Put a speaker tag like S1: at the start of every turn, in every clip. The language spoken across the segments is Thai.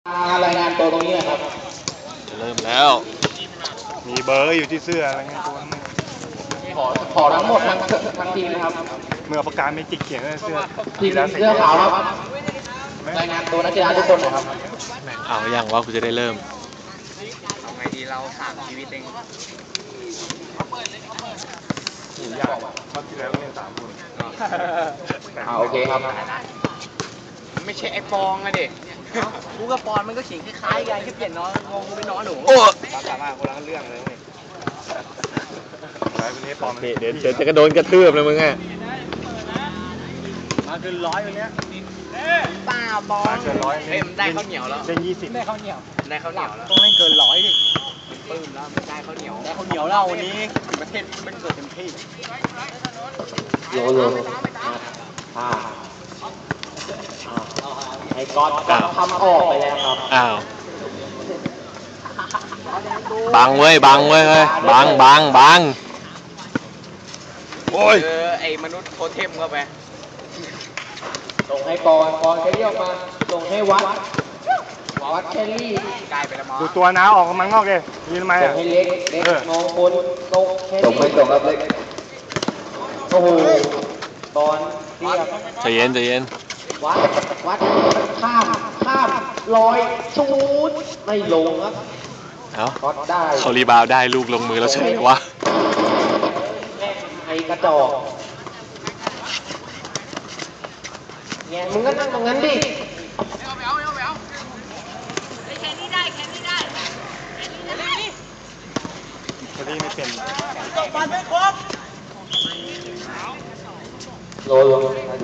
S1: รายงานตัวตรงนี้นะครับ
S2: เริ่มแล้ว
S3: มีเบอร์อยู่ที่เสื้ออะไรเงี้ยตัวนั้น
S1: ขอทั้งหมดทั้งทีมนะครับ
S3: เมื่อประกาศไม่จิกเขียนเสื้อ
S1: ทีมเสื้อขาวครับรายงานตัวนักกีฬาทุกคนนะครับ
S2: เอาอย่างว่ากูจะได้เริ่ม
S4: เอาไงดีเรา3 ชีวิตเอง
S3: ยากเขาที่แล้วเล่น3 คน
S1: โอเคครับ
S4: ไม่ใช่ไอ้ปองอะเด็กกูกับปอนมันก็เขียนคล้ายๆกันแค่เปลี่ยนน้องงงกูเป็นน้องหนูสามารถคนละเรื่องเลย
S2: เดี๋ยวจะกระโดนกระทืบเลยมึงอ่ะ
S4: มาคือ100วันนี้ป้าบอลเอ็มได้ข้าวเหนียวแล้ว
S3: เล่น20
S4: ได้ข้าวเหนียวแล้วต้องเล่นเกิน100ดิปื้มแล้วไม่ได้ข้าวเหนียวแล้ววันนี้ถึงประเทศมันเกิดเต็มที่
S1: โยไอ้ก๊อตทำออกไปแล้วครับ
S2: อ้าวบังเว้ยเฮ้ยบังโอ้ย
S4: ไอ้มนุษย์โทเทมเข้าไป
S1: ส่งให้ปอนแคลรี่ออกมาส่งให้วัดแคลรี่
S4: กลายไปแล้วมั้ง
S3: ดูตัวน้าออกมันงอกเลยยืนทำไมอ่ะ
S1: ส่งให้เล็กมองคนส่งแคลรี่ส่งครับเล็กโอ้โหตอนเรียบ
S2: ใจเย็น
S1: วัดข้าม100ชูดไม่ลงครับ
S2: เอาได้เขารีบาวได้ลูกลงมือแล้วใช่ไหมวะ
S1: ไอ้กระจอกแง่มึงก็นั่งตรงนั้นดิ
S4: เอาแค่นี้ได้
S3: แค่นี้ไม่เป็น
S4: บอลไม่ครบ
S1: ลง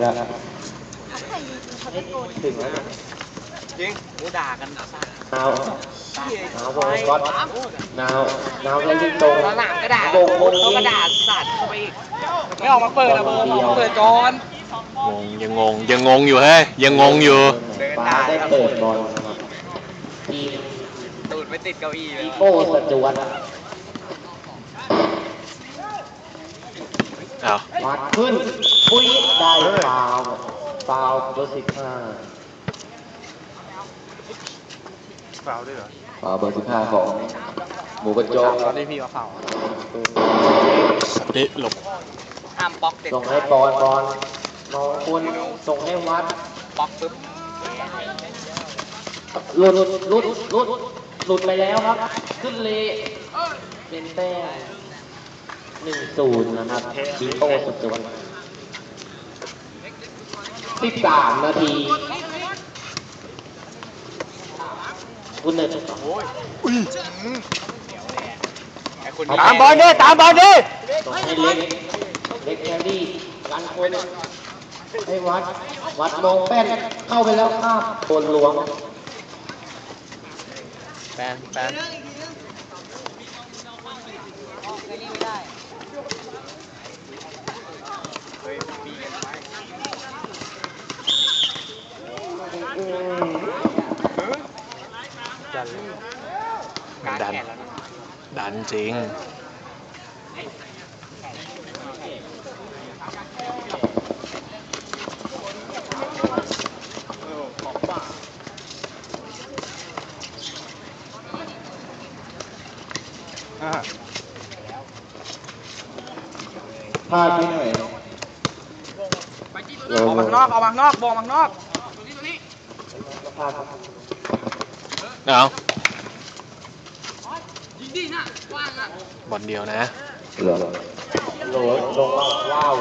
S1: ถึงแล้ว
S4: จริงกูด่ากัน
S1: นาวบอลก๊อตนาวเล่นที่ตรง
S4: หนังกระดาษเขากระดาษสัตว์เข้าไปอีกไม่ออกมาเปิดนะโบเปิดก่อน
S2: ยังงงอยู่เฮ้ยยังงงอยู่
S1: ป้าได้เปิดบอลทีม
S4: ตูดไม่ติดเก้าอี้เลย
S1: โก้สจวตวัดขึ้นปุ้ยได้ฟาวเบอร์15
S3: ฟาวด้วยเหรอ
S1: ฟาวเบอร์15ของหมูกระจก
S4: ตอนนี้พี่ว่าฟาว
S2: นี่หลบ
S4: ห้ามป๊อกเด็ด
S1: ส่งให้บอลมองคุณส่งให้วัด
S4: ป๊อกปึ๊บ
S1: หลุดไปแล้วครับขึ้นเลยเป็นแต้ม1-0นะครับชิโต้สุดจวน13 นาทีคุณเนต
S3: ตามบอลดิ
S1: ส่งให้เล็กแคลรี่กันคนให้วัดมองแป้นเข้าไปแล้วข้ามโคนหลวง
S4: แป้น
S2: ดันจริง
S1: พลาดไปหน่อย
S4: เอามานอกบอกมานอก
S2: เอาบอลเดียวนะ
S1: ลงว้าว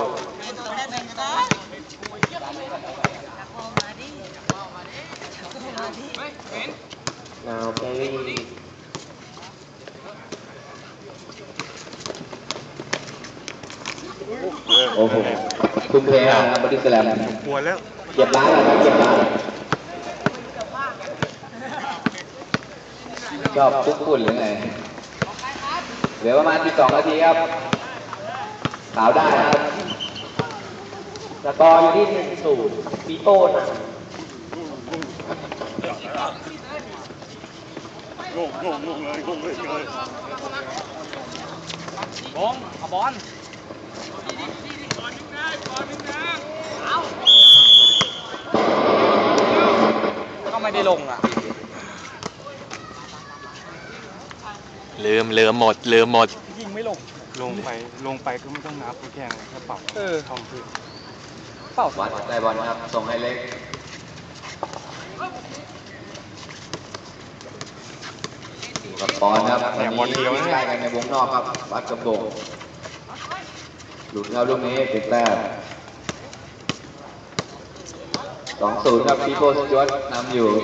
S1: นาวแครี่โอ้โหคุณแพ้นะบอดี้สแลม
S3: ปวดแล้ว
S1: เก็บร้านแล้วเก็บร้านชอบคุกฝุ่นหรือไงเหลือประมาณ12 นาทีครับขาวได้ครับสกอร์อยู่ที่1-0ปีโต้นะ
S3: งงเลย
S4: บงเอาบอลก็ไม่ได้ลงอ่ะ
S2: ลืมหมด
S4: ยิงไม่ลง
S3: ลงไปก็ไม่ต้องนับแค่แค่เป่าทำพื้น
S4: เปล่า
S1: วัดได้บอลครับ ส่งให้เล็กอยู่กับปอนครับวันนี้วิ่งได้กันในวงนอกครับวัดกระโบงหลุดครับลูกนี้ติดแต้ม 2-0 ครับพี่โบสจวตนำอยู่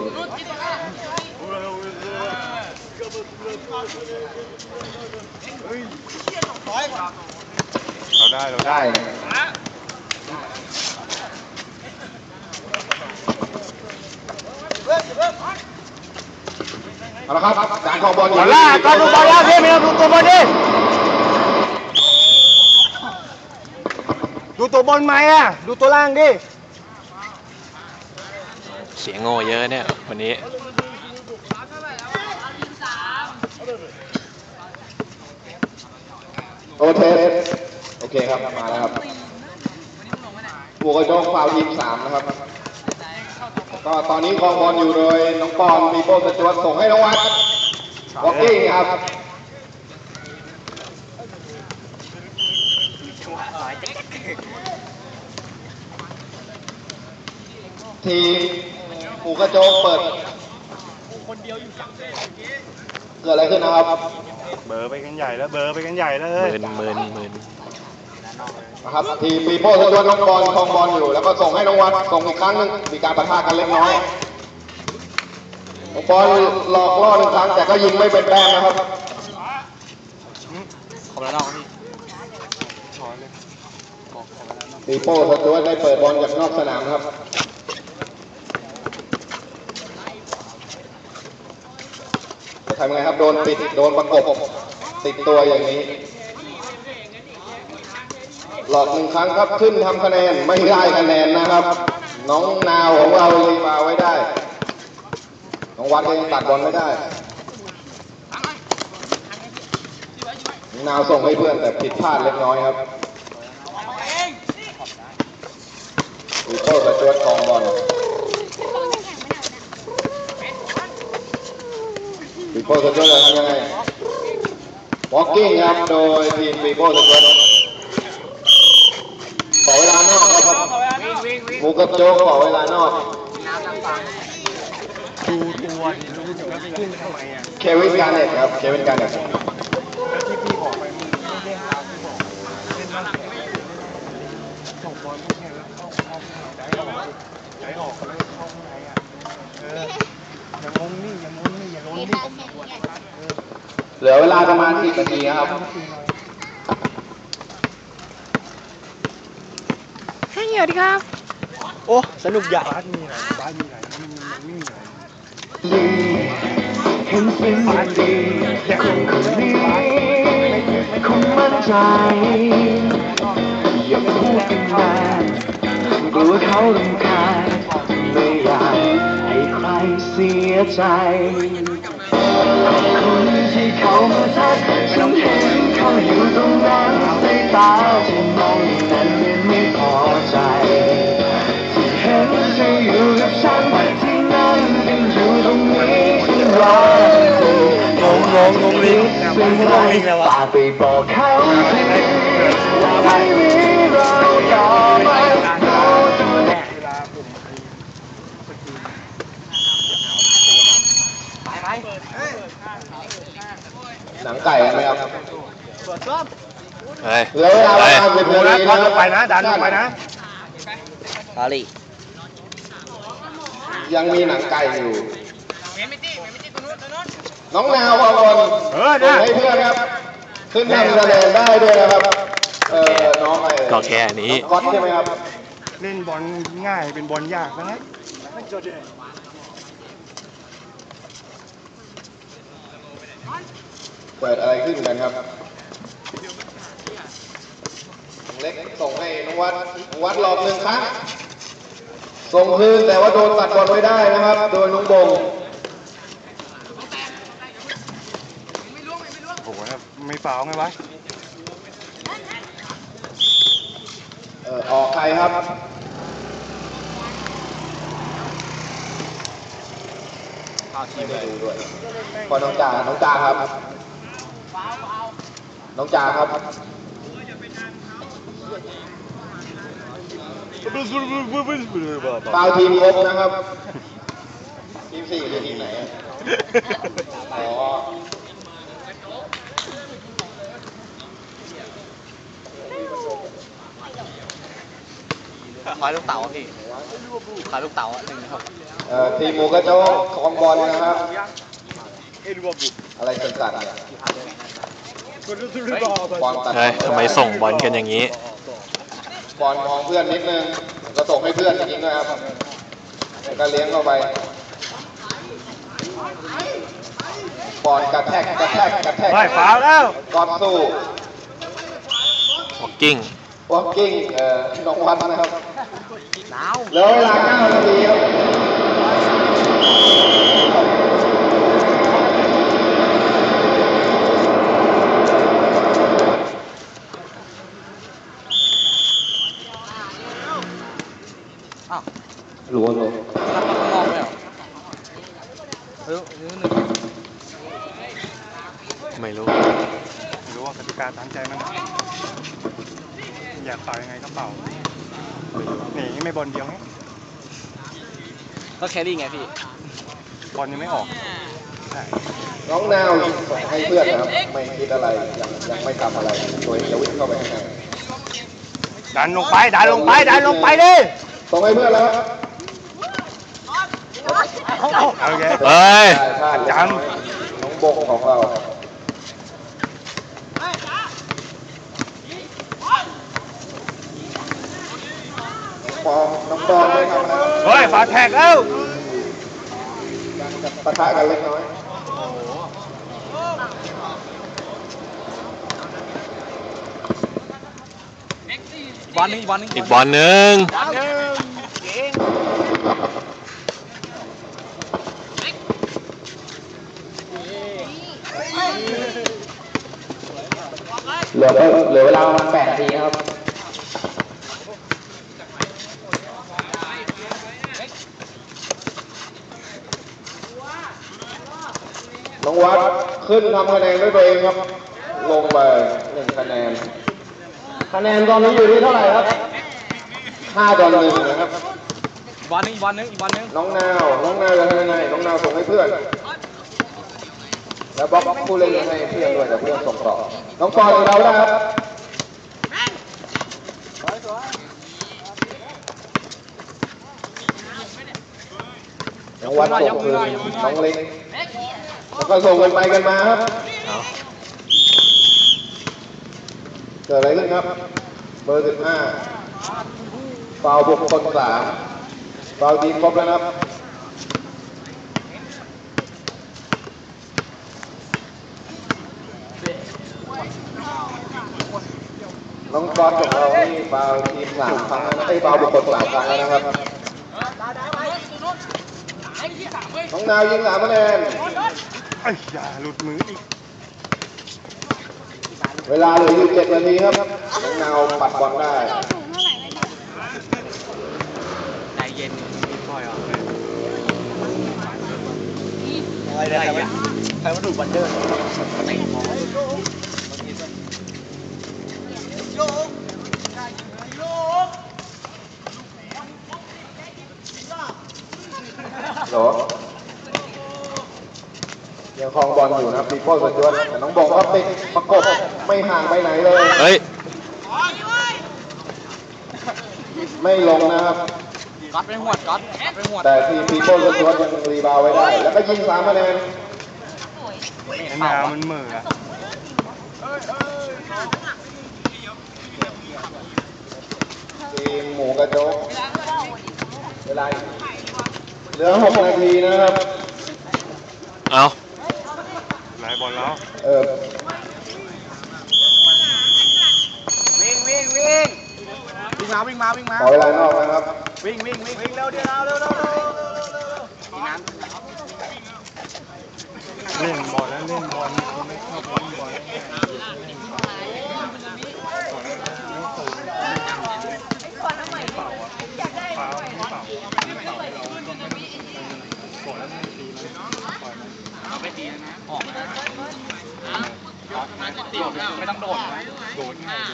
S3: เราได้
S1: เอาละครับการครองบอลอยู่
S4: บอลล่าก็ดูบอลล่าพี่ไม่ต้องดูตัวบอลดิดูตัวบอลไหมอ่ะดูตัวล่างดิ
S2: เสียงโง่เยอะเนี่ยวันนี้
S1: โอเคครับมาแล้วครับบัวกระโดงฟาวทีม3นะครับก็ตอนนี้ครองบอลอยู่โดยน้องปอนมีโบสจวตส่งให้น้องวัดวอกกิ้งครับทีมปูกระโจงเปิดเกิดอะไรขึ้นนะครับ
S3: เบอร์ไปกันใหญ่แล้วเฮ้ย
S2: หมื่น
S1: นะครับทีมปีโป้สจวตน้องบอลครองบอลอยู่แล้วก็ส่งให้น้องวัดส่งอีกครั้งหนึงมีการปะทะกันเล็กน้อยน้องบอลหลอกล่อ1 ครั้งแต่ก็ยิงไม่เป็นแต้มนะครับ
S4: ขอบคุณน้องพี่
S3: ช้อนเลย
S1: ปีโป้สจวตได้เปิดบอลจากนอกสนามครับจะทำไงครับโดนปิดโดนประกบติดตัวอย่างนี้หลอก1 ครั้งครับขึ้นทำคะแนนไม่ได้คะแนนนะครับน้องนาวของเรารีบาวไว้ได้น้องวัดยังตัดบอลไม่ได้นาวส่งให้เพื่อนแต่ผิดพลาดเล็กน้อยครับปีโป้สจวตครองบอลปีโป้สจวตจะทำยังไงวอล์กกิ้งครับโดยทีมปีโป้สจวตขอเวลานอกครับหมูกระโจกขอเวลานอก
S3: ดูตัวดิดูแล้วขึ้นทำไมอ่ะ
S1: เควินการ์เน็ตครับเควินการ์เน็ต
S3: แล้วที่พี่บอกไปมึงไม่ได้หาพี่บอกเล่นบ้างส่งบอลพวกนี้แล้วเข้าใจออกแล้วเข้าข้างในอ่ะอย่างงนี่อย่างล้นนี่
S1: เหลือเวลาประมาณ10 นาทีครับ
S5: ให้เหี่ยวดีครับ
S4: โอ้สนุกใหญ่
S3: บ้านมีไหนมันไม่มีไหน
S6: เห็นเป็นอย่างดีคนคนนี้คงมั่นใจอย่าพูดเป็นแฟนกลัวเขารำคาญไม่อยากให้ใครเสียใจคนที่เขามาทักฉันเห็นเขาอยู่ตรงนั้นสายตาที่มองนั้นยังไม่พอใจที่เห็นเธออยู่กับฉันที่นั่นยังอยู่ตรงนี้ฉันรอเธองงลิเป็นไรฝากไปบอกเขาทีว่าไม่มีเราต่อไปเราตัวแน่
S1: หนังไก่กันไหมครับ
S2: เฮ้ย
S1: เหลือเวลาประมาณ10 นาที
S3: ดันลงไปนะดันลงไปนะ
S4: อาลี
S1: ยังมีหนังไก่อยู่น้องนาวบอลส่งให้เพื่อนครับขึ้นทำคะแนนได้ด้วยนะครับน้องไอ้
S2: ก็แค่นี้
S1: ก๊อตใช่ไหมครับ
S3: เล่นบอลง่ายเป็นบอลยากนะ
S1: เปิดอะไรขึ้นกันครับเล็กส่งให้น้องวัดหลอก1 ครั้งส่งคืนแต่ว่าโดนตัดบอลไม่ได้นะครับโดยน้องบง
S3: โอ้โหไม่ฟาวไงวะ
S1: ออกใครครับไม่ดูด้วยพอน้องจ่าครับน้องจ่าครับฟาวทีมครบนะครับทีม4คือทีมไหนอ๋อ
S4: คอยลูกเต๋าพี่คอยลูกเต๋าหนึ่งครับ
S1: ทีมหมูกระโจกของบอลนะครับอะไรสั่นๆเนี่ยบอลตัด
S2: เฮ้ยทำไมส่งบอลกันอย่างนี้
S1: บอลมองเพื่อนนิดนึงก็ส่งให้เพื่อนจริงๆด้วยครับแล้วก็เลี้ยงเข้าไปบอลกระแทก
S3: ไปฟาวแล้ว
S1: ก่อนสู้
S2: walking
S1: วอล์กกิ้งน้องวัดนะครับ
S4: หนาว
S1: แล้วเวลา9 นาทีครับ
S4: อ้าว
S1: รู้
S4: รับข้างนอกเลยเหรอเฮ้ยหนึ่ง
S2: ไม่รู้
S3: ไม่รู้ว่ากติกาตามใจมันอยากเป่ายังไงก็เป่านี่ไม่บอลเดียวไง
S4: ก็แครี่ไงพี่
S3: บอลยังไม่ออกใช่
S1: น้องนาวส่งให้เพื่อนนะครับไม่คิดอะไรยังไม่ทำอะไรตัวเองจะวิ่งเข้าไปข้างใน
S3: ดันลงไปดันลงไปดันลงไปดิ
S1: ส่งให้เพื่อนแล้วครับ
S3: โอเค
S2: เฮ้ย
S3: จ
S1: น้องบงของเราน้องปองไม่ทำอะไรครับ
S3: ำเฮ้ยฝาแท็กเอ้า
S1: ปะทะกันเล็กน้อย
S4: บอลนึงอีกบอลนึง
S2: อีกบอลหนึ่ง
S1: เหลือเวลาประมาณ8 นาทีครับน้องวัดขึ้นทำคะแนนด้วยตัวเองครับ ลงไป1 คะแนน คะแนนตอนนี้อยู่ที่เท่าไหร่ครับ5-1นะครับ
S4: อีกบอลนึงอีกบอลนึงอีกบอลนึง
S1: น้องนาวจะทำยังไงน้องนาวส่งให้เพื่อน แล้วบล็อกผู้เล่นให้เพื่อนด้วยแต่เพื่อนส่งต่อ น้องปอนของเราได้ครับน้องวัดส่งคืนน้องเล็กแล้วก็ส่งกันไปกันมาครับ
S2: เอา
S1: เกิดอะไรขึ้นครับ เบอร์15ฟาวล์บุคคล3ฟาวล์ทีมครบแล้วนะครับน้องบอลของเรานี่ฟาวล์ทีม3 ครั้งแล้วนะฟาวล์บุคคล3 ครั้งแล้วนะครับน้องนาวยิง3 คะแนน
S3: ไอ้ยาหลุดมืออีก
S1: เวลาเหลืออยู่7 นาทีครับน้องนาวปัดบอลได้
S4: ใจเย็นพี่ปล่อยอ่ะ
S3: อะไรเนี่ยใครมาดูบันเดอร์
S1: เหรอยังครองบอลอยู่นะครับปีโป้สจวตแต่น้องบงก็ติดประกบไม่ห่างไปไหนเลย
S2: เฮ้ย
S1: ไม่ลงนะครับ
S4: ก๊อตไปหวดก๊อตไปหวด
S1: แต่ทีมปีโป้สจวตยังรีบาวไว้ได้ แล้วก็ยิง3 คะแนน
S3: ไอ้นามันเหม่ออะ
S1: ทีมหมูกระโจกเวลาเหลือ6 นาทีนะครับ
S2: เอา
S3: หลายบอลแล้ว
S4: วิ่งมาวิ่งมา
S1: ขอเวลานอกนะครับ
S4: วิ่งเร็วเดี๋ยวเร็วมีน้ำ
S3: เล่นบอลแล้วเล่นบอลเขาไม่ชอบเล่นบอลเปล่าไม่ตีมันปล่อยมัน
S4: เอาไปตีนะออกนะไม่ต้องโดดนะ
S3: โดดง่าย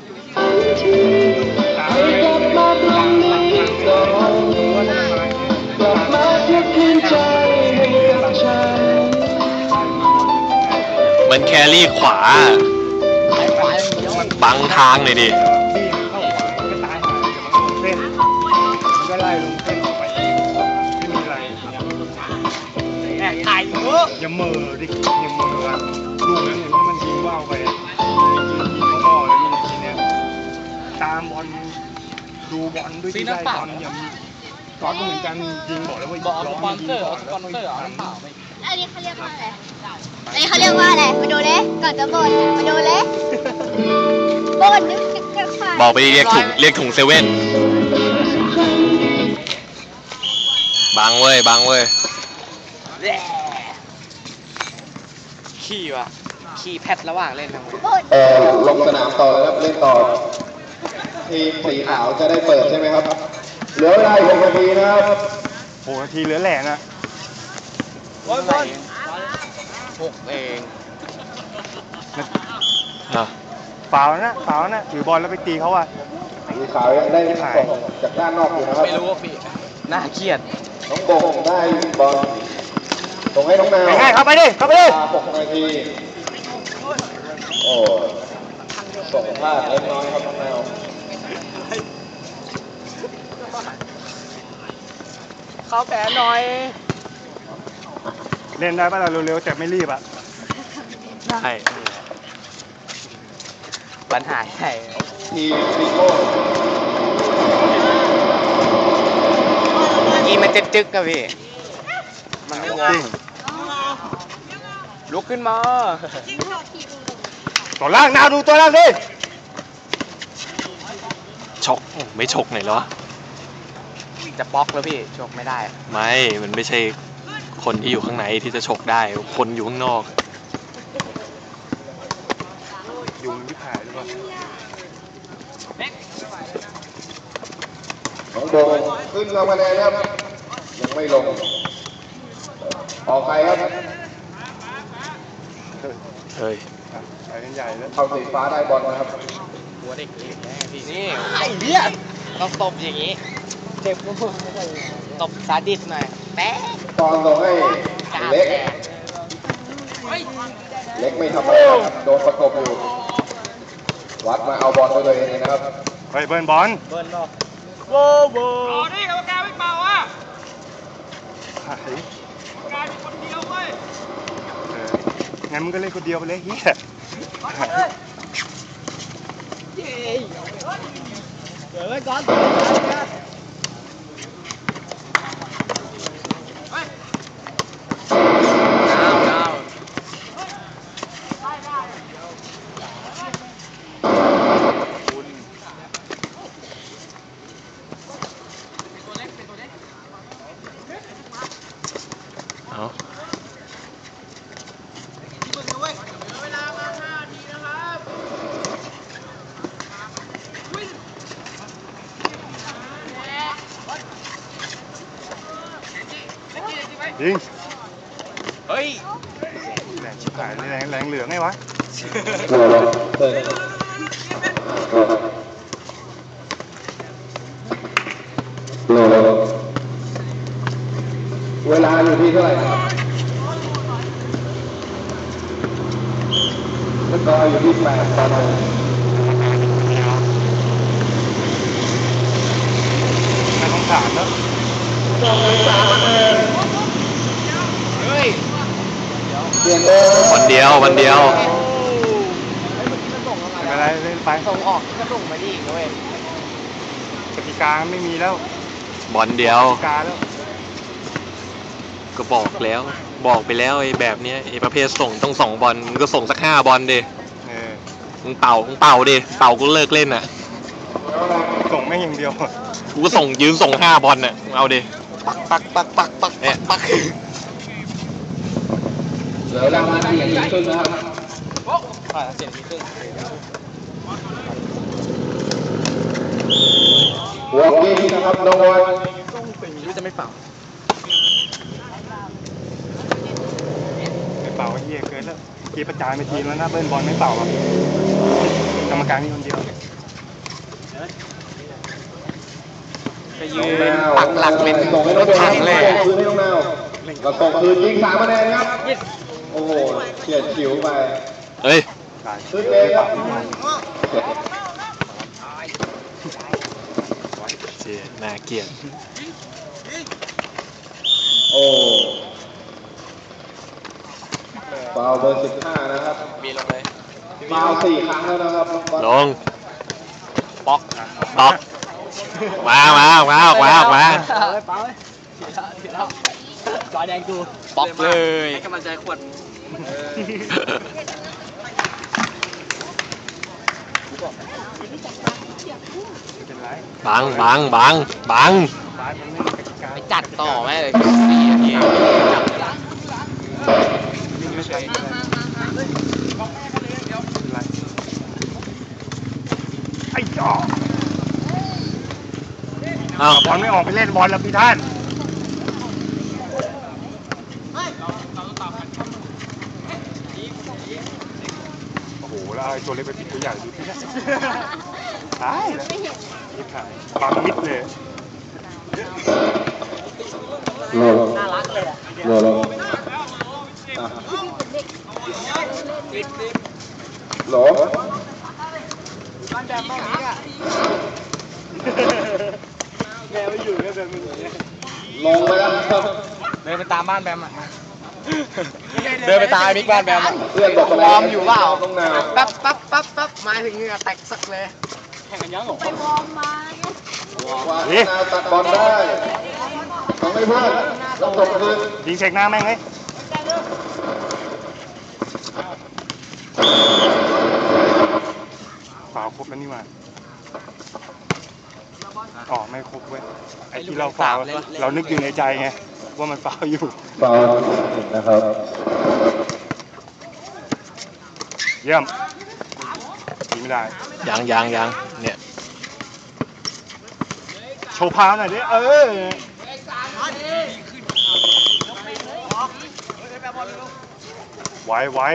S6: ให้กลับมาตรงนี้ก่อนกลับมาเทียบคืนใจให้กับฉัน
S2: มันแครี่ขวา บังทางหน่อยดิ
S3: ที่เข้าขวาก็ตายหายแต่มันลงเส้นมันก็ไล่ลงเส้นออกไปไม่มีอะไร
S4: แอบถ่ายเยอะ
S3: อย่าเมอดิอย่าเมออ่ะลูกนั้นเห็นว่ามันยิงว่าวไปยิงเข้าบ่อเลยลูกทีเนี้ยตามบอลดูบอลด้วยที่ได้บอลอย่ามีก๊อตก็เหมือนกันยิงบอกแล้วว่า
S4: บอก
S3: ร้
S4: ส
S3: อง
S4: ปอน
S3: ยิ
S4: เซ
S3: ง
S4: อร์
S3: ก่อน
S4: ส
S3: แล้ว
S4: ปอนเซอร์น้ำเปล่าไป
S5: อันนี้เขาเรียกว่าอะไร อันนี้เขาเรียกว่าอะไร มาดูเลยก่อนจะบ่นมาดูเลยบ่นนึกจะขาด
S2: บอกไปเรียกถุงเซเว่น บังเว้ย บังเว้ย
S4: ขี้ว่ะขี้แพทระหว่างเล่นทั้งหมด
S5: บ่น
S1: ลงสนามต่อแล้วครับเล่นต่อ ทีมสีขาวจะได้เปิดใช่ไหมครับ เหลือเวลาอีก6 นาทีนะครับ
S3: 6 นาทีเหลือแหล่นะ
S4: บอล6 เอง
S2: อ่ะ
S3: ฝาวนะถือบอลแล้วไปตีเขาอ่ะ
S1: สีขาวยังได้ส่งจากด้านนอกอยู่นะครับ
S4: ไม่รู้ว่าพี่น่าเครียด
S1: น้องโบงได้บอลส่งให้น้องนาว
S3: ง่ายๆเข้าไปดิเข้าไปดิ
S1: 6 นาที โอ้ส่งพลาดเล็กน้อยครับน้องนาว
S4: เข้าแผลหน่อย
S3: เล่นได้ป่ะเราเร็วๆแต่ไม่รีบอ่ะ
S2: ได้
S4: ปัญหาใหญ่
S1: ทีมซีโก้
S4: เมื่อกี้มันจึ๊กๆกับพี่ มันไม่วอ
S3: จริง
S4: ลุกขึ้นมา
S3: ตัวล่างนาวดูตัวล่างดิ
S2: ชก ไม่ชกไหนเหรอ
S4: จะบล็อกแล้วพี่ชกไม่ได้
S2: ไม่ มันไม่ใช่คนที่อยู่ข้างในที่จะชกได้ คนอยู่ข้างนอก
S3: ยุงที่ถ่ายหรือเปล่า
S1: น้องโบงขึ้นลงมาเลยครับ ยังไม่ลง ออกใครครับ
S2: เฮ้ย
S3: ไปกันใหญ่แล้ว
S1: เข้าสีฟ้าได้บอลนะครับ
S4: หัวเด็กเล็กแน่พี่นี่ไอ้เหี้ยต้องตบอย่างนี้ เจ็บก็ไม่ได้ตบซาดิสหน่อยแป๊ะ
S1: ตอนส่งให้เล็ก เล็กไม่ทำอะไรครับ โดนประกบอยู่ วัดมาเอาบอลด้วยตัวเองนะครับ
S3: เฮ้ยเบิร์นบอล
S4: เบิร์นบอก
S3: โว้โว้นี่กรรมการไม่เป่าอ่ะงั้นมึงก็เล่นคนเดียวไปเลยเฮีย
S4: เดี๋ยวไว้ก่อนดาว
S2: เอา
S3: ยิง
S4: เฮ้ย
S3: แรงชิบหายเลยแรงเหลืองไงวะ
S1: เวลาอยู่ที่เท่าไหร่ครับแล้วก็อยู่ที่8 ตอนนี้
S3: น่าสงสารเนอะ
S4: เฮ้ย
S1: เปลี่ยนเบอร์
S2: วันเดียว วันเดียว
S3: ไม่เป็นไรเล่นไป
S4: ส่งออกก็ส่งมาดีอีกนะเว้ย
S3: กติกาไม่มีแล้ว
S2: บอลเดียว
S3: กติกาแล้ว
S2: ก็บอกแล้ว บอกไปแล้วไอ้แบบเนี้ยไอ้ประเภทส่งต้อง2 บอลมึงก็ส่งสัก5 บอลดิ
S3: เออ
S2: มึงเป่าดิ เป่ากูเลิกเล่นอ่ะ
S3: ส่งแม่งอย่างเดียว
S2: กูก็ยืนส่ง5 บอลน่ะมึงเอาดิ ปักเนี่ย
S1: เหลือเวลานาทีครึ่งนะครับ
S4: เสียงมีครึ่ง
S1: หัวกี้นะครับน้องบอล
S4: ไม่รู้จะไม่เป่า
S3: เป่าไอ้เหี้ยเกินแล้วกีประจานไปทีแล้วนะเบิ้ลบอลไม่เป่าอ่ะกรรมการมีคนเดียว
S4: ไปยืนปักหลักเป็น
S1: ส่งให้
S4: ร
S1: น้อง
S4: ถ
S1: เบล
S4: ถังเลย
S1: ส่งคืนให้น้องนาวก็ส่งคืนยิง3 คะแนนครับโอ้โหเฉียดฉิวไป
S2: เฮ้ย
S1: ขึ้นเลยครับ
S2: เจียน่าเกลียด
S1: โอ้ฟาวล์เบอร์15นะครับ
S4: มีลงเลย
S1: ฟาวล์4 ครั้งแล้วนะครับน้องบอล
S2: ลงป๊อกป๊อกมาออกมา
S4: จอยแดงกูป๊อกเลยให้กำลังใจขวด
S3: เป็นไร
S2: บัง
S3: บาสมันไม่มีกติกา
S4: ไปจัดต่อแม่เลย4 นาทีจับเวลา
S3: วิ่งไม่ใช่เป็นไรไอ้จ่อ
S2: เอ้า
S3: บอลไม่ออกไปเล่นบอลแล้วพี่ท่านโอ้โหแล้วไอ้ตัวเล็กไปปิดตัวใหญ่ดูที่นั่นตายแล้วนี่ขายความมิดเลย
S5: น่ารักเลยอ่ะ
S1: โลโล
S4: บ้านแดงบ้านนี้อ่ะแมวไม่อยู่แค่แบบมึงอย่างเงี้ย
S1: ลงไปแล้วครับ
S4: เดินไปตามบ้านแบมอ่ะเดินไปตามมิกบ้านแบมอ่ะ
S1: เพื่อนบอก
S4: วอร์มอยู่เปล่า
S1: ต้องนาว
S4: ปั๊บมาถึงเหงื่อแตกสักเลยแข่งกันยังหรอ
S5: ไปวอร์มมาไง
S1: ว่านาตัดบอลได้ต้องให้เพื่อนแล้วส่งคืน
S3: ยิงเช็คหน้าแม่งเฮ้ยฝาวครบแล้วนี่หว่าอ๋อไม่ครบเว้ยไอ้ที่เราฝาวเรานึกอยู่ในใจไงว่ามันฝาวอยู่
S1: ฟาวล์นะครับ
S3: เยี่ยมยิงไม่ได้
S2: ยังเนี่ย
S3: โชว์พาวหน่อยดิไหว
S4: บอ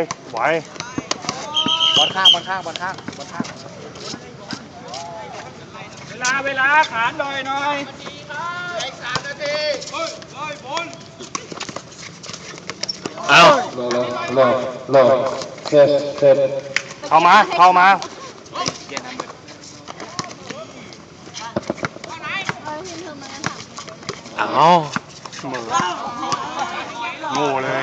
S4: ลข้างเวลาขานหน่อย
S2: เอ้า
S1: โลเสร็จ
S3: เข้ามา
S2: เอ้า
S3: มือโง่เลย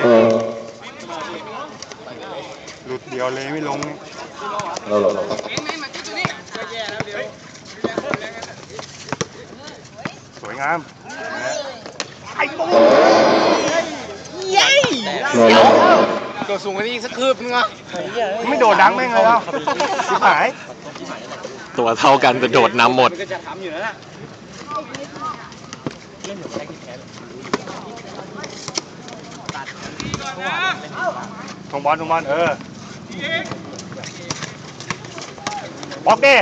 S3: หลุดเดียวเลยไม่ลงนี่
S1: โล
S3: สวยงาม
S4: ตัวสูงกว่านี้อีกสักคืบนึงอ่ะ
S3: ไม่โดดดังแม่งเลยเอ้าชิบหาย
S2: ตัวเท่ากันแต่โดดนำหมด
S4: ก็จะทำอยู่แล้วนะ
S3: ทงบอลบล็อกดิ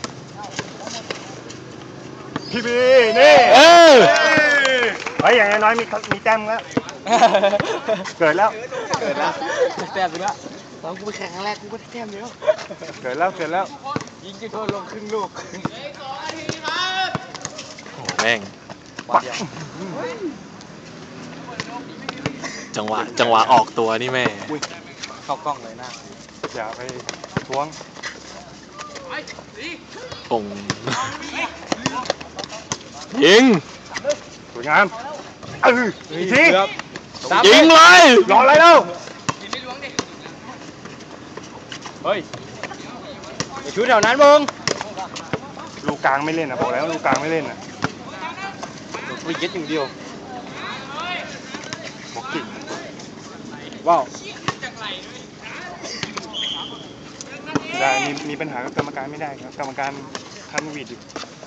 S3: พี่บีนี่
S2: เออ
S3: เฮ้ยอย่างน้อยมีแต้มแล้วเกิดแล้ว
S4: แต้มไปแล้วตอนกูไปแข่งครั้งแรกกูก็ได้แต้มเดียว
S3: เกิดแล้ว
S4: ยิงจุดโทษลงครึ่งลูก
S2: โอ้แม่ง
S3: ปัก
S2: จังหวะออกตัวนี่แม่
S4: เข้ากล้องเลยนะ
S3: อย่าไปท้วง
S2: ปุ่งยิง
S3: สวยงามอีกที
S2: ยิงเลย
S3: รออะไรแล้ว
S4: เฮ้ยชุดแถวนั้นมึง
S3: ลูกกลางไม่เล่นนะบอกแล้วลูกกลางไม่เล่นนะ
S4: กูยึดอย่างเดียว
S3: บอกกิ่ง
S4: ว้าว
S3: ได้มีปัญหากับกรรมการไม่ได้ครับกรรมการคันวีดอยู่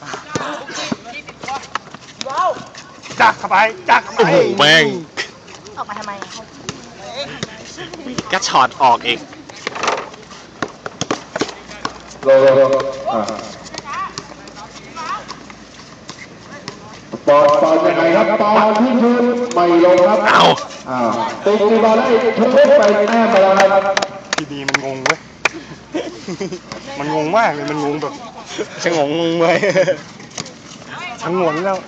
S3: จักเข้าไป
S2: โอ้โหแม่ง
S5: ออกมาทำไม
S2: ก็ช็อตออกอีก
S1: โลบอลยังไงครับบอลที่ยืนไม่ลงครับ
S2: เอ้า
S1: ตีบอลได้ทุกเล่นไปแต้มไปแล้วครับ
S3: ทีดีมันงงเว้ย มันงงมากเลย มันงงแบบชะงงงเลยชะงนแล้ว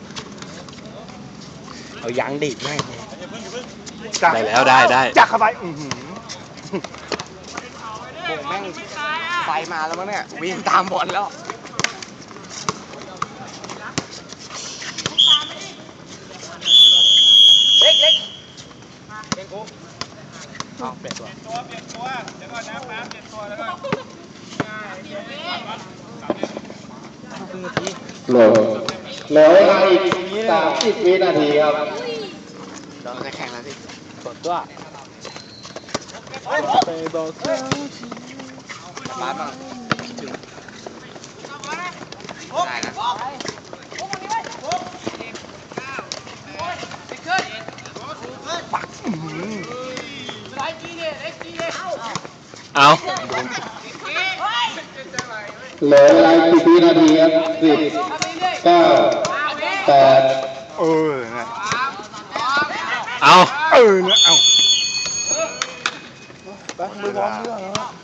S4: เอายางดีดแม่ง
S2: ได้แล้วได้ได้
S3: จักเข้าไปอื้อหือ
S4: โบกแม่งไฟมาแล้วมั้งเนี่ยวิ่งตามบอลแล้วเล็กเล็กเป็นกูเอาเปลี่ยนตัว
S1: เหลือเวลาอีก30 วินาทีครับ
S4: เราจะแข่งแล้วสิ
S3: กดตัว
S4: บาสบ้างถึงได้นะ
S2: เอา
S1: เหลือเวลาอีก10 วินาทีครับ10 9 8
S3: เออนะ
S2: เอา
S3: เออนะเอาไปมือบอลเรื่อง